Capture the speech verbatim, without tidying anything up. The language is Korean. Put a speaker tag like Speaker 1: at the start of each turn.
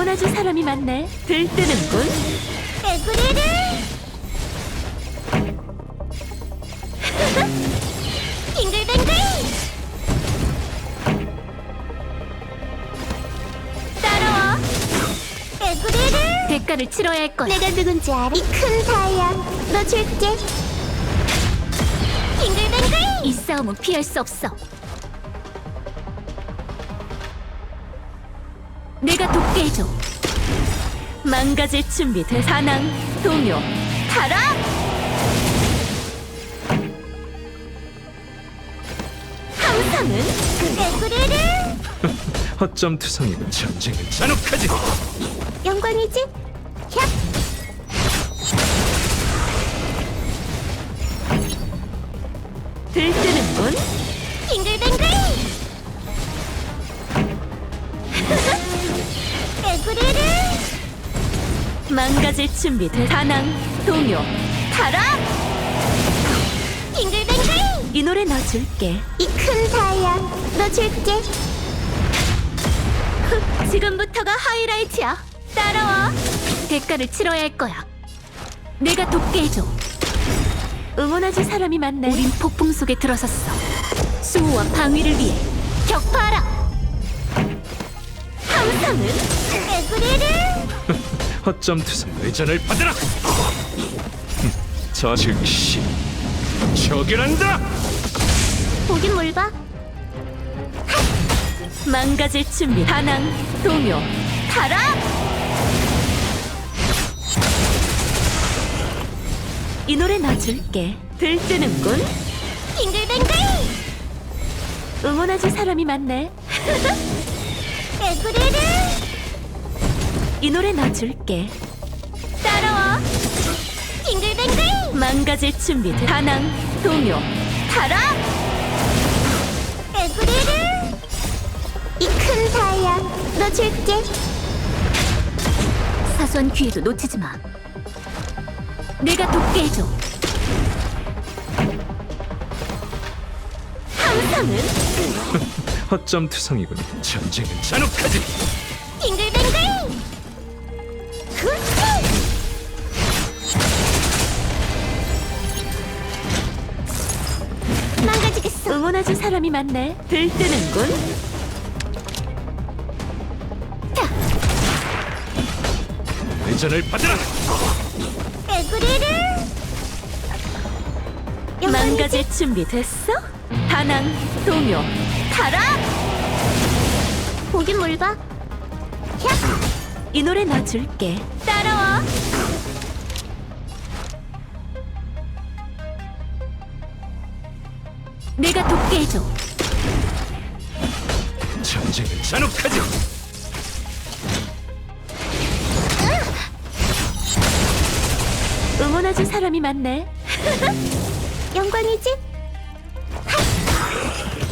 Speaker 1: 응원해줄 사람이 많네. 들뜨는군.
Speaker 2: 에브리를 빙글빙글 따라와. 에브리를
Speaker 1: 대가를 치러야 할 거야.
Speaker 2: 내가 누군지 알아? 이 큰 다이아 너 줄게. 빙글빙글
Speaker 1: 이 싸움은 피할 수 없어. 내가 돕게 해줘. 망가질 준비 돼. 사낭, 동요, 타락! 항상은
Speaker 2: 에브리를
Speaker 3: 허점 투성이고 전쟁은 잔혹하지.
Speaker 2: 영광이지? 샵
Speaker 1: 들뜨는군.
Speaker 2: 빙글빙글 에브리를
Speaker 1: 망가질 준비 돼. 사낭, 동요, 타락!
Speaker 2: 빙글빙글
Speaker 1: 이 노래 넣어줄게.
Speaker 2: 이 큰 다이아 너 줄게.
Speaker 1: 흑, 지금부터가 하이라이트야. 따라와. 대가를 치러야 할 거야. 내가 돕게 해줘. 응원해줄 사람이 많네. 우린 폭풍 속에 들어섰어. 수호와 방위를 위해 격파하라. 항상은
Speaker 2: 에브리를
Speaker 3: 허점 투성 의전을 받으라. 저 즉시 처결한다.
Speaker 2: 보긴 뭘 봐.
Speaker 1: 망가질 준비. 반항, 동요, 타락! 이 노래 넣어줄게. 들뜨는군.
Speaker 2: 빙글빙글
Speaker 1: 응원해줄 사람이 많네.
Speaker 2: 에브리를
Speaker 1: 이 노래 넣어줄게.
Speaker 2: 따라와. 빙글빙글
Speaker 1: 망가질 준비. 반항, 동요, 타락!
Speaker 2: 에브리를 이 큰 다이아 너 줄게.
Speaker 1: 사소한 기회도 놓치지 마. 내가 돕게 해줘. 항상은
Speaker 3: 허점 투성이군. 전쟁은 잔혹하지.
Speaker 2: 빙글빙글 굿 망가지겠어.
Speaker 1: 응원해줄 사람이 많네. 들뜨는군.
Speaker 3: 의전을 받으라.
Speaker 2: 에브리를
Speaker 1: 망가질 준비 됐어? 반항, 동요, 타락!
Speaker 2: 보긴 뭘 봐. 샵
Speaker 1: 이 노래 넣어줄게. 따라와. 내가 돕게 해줘.
Speaker 3: 전쟁은 잔혹하지.
Speaker 1: 응원해줄 사람이 많네.
Speaker 2: 영광이지?